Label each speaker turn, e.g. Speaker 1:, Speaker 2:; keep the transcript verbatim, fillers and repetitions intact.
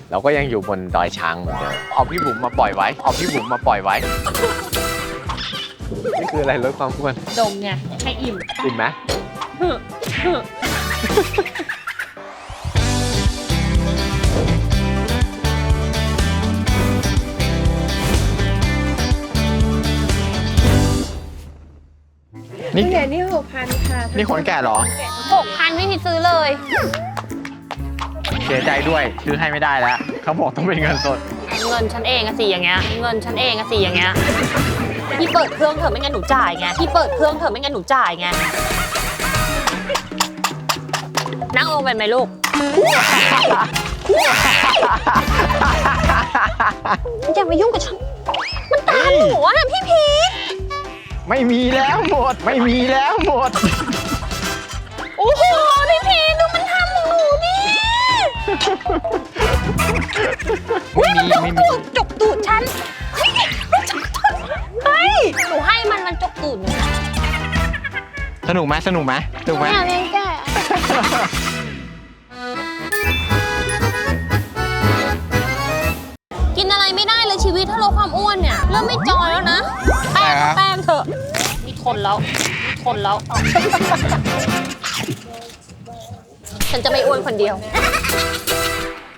Speaker 1: เราก็ยังอยู่บนดอยช้างเหมือนเดิมเอาพี่บุ๋มมาปล่อยไว้เอาพี่บุ๋มมาปล่อยไว้นี่คืออะไรลดความอ้วน
Speaker 2: ดมไงให้อิ่ม
Speaker 1: อิ่มไหมนี่
Speaker 2: นี่ไงนี่หกพันค่ะ
Speaker 1: นี่ขนแก่เหรอ
Speaker 3: หกพันไม่มีซื้อเลย
Speaker 1: เสียใจด้วยซื้อให้ไม่ได้แล้วเขาบอกต้องเป็นเงินสด
Speaker 3: เงินฉันเองอะสิอย่างเงี้ย เงินฉันเองอะสิอย่างเงี้ย พี่เปิดเครื่องเถอะไม่งั้นหนูจ่ายไง พี่เปิดเครื่องเถอะไม่งั้นหนูจ่ายไง นั่งลงเป็นไหมลูก อย่ามายุ่งกับฉัน มันตามหนูอะพี่พีช
Speaker 1: ไม่มีแล้วหมด ไม่มีแล้วหมด
Speaker 3: โอ้โหพี่พีชดูมันทำหนูดิ
Speaker 1: ไม่มีไม่มี
Speaker 3: จกตูดฉัน เฮ้ยมันจกตูดเฮ้ยหนูให้มันมันจกตูดหนู
Speaker 1: สนุกไหมสนุกไหมสนุกไหม
Speaker 3: ไม่เอาเล่นแก่กินอะไรไม่ได้เลยชีวิตถ้าลดความอ้วนเนี่ยเริ่มไม่จอยแล้วนะ แป้งก็แป้งเถอะนี่ทนแล้วทนแล้ว ฉันจะไม่อ้วนคนเดียว